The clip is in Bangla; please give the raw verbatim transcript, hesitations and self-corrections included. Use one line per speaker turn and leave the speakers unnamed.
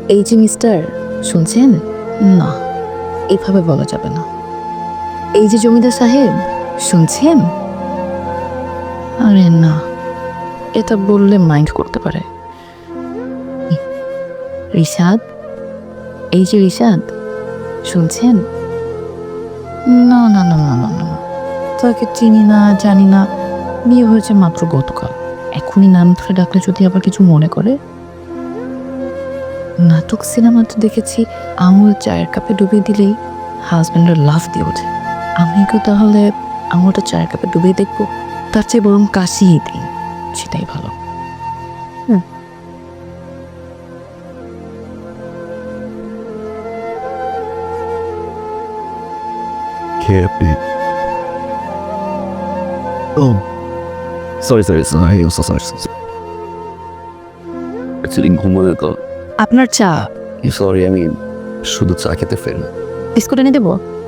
এই যে মিস্টার, শুনছেন? না, এভাবে বলা যাবে না। এই যে জমিদার সাহেব, শুনছেন? আরে না, এটা বললে মাইন্ড করতে পারে। রিশাদ, এই যে রিশাদ, শুনছেন? না না না না না না, তাকে চিনি না, জানি না, বিয়ে হয়েছে মাত্র গতকাল। এখনই নাম ধরে ডাকলে যদি আবার কিছু মনে করে। নাটক সিনেমাতে দেখেছি আঙুল চায়ের কাপে ডুবিয়ে দিলেই হাজব্যান্ডের লাফ দিয়ে ওঠে। আমিও তাহলে আঙুলটা চায়ের কাপে ডুবিয়ে দেখবো, তার চেয়ে বরং কাশিয়ে দিই, সেটাই ভালো। হুম।
কে আপনি? ও sorry sorry sorry sorry actually ঘুমোলে তো।
আপনার চা
সরি, আমি শুধু চা খেতে ফের।
বিস্কুট এনে দেবো?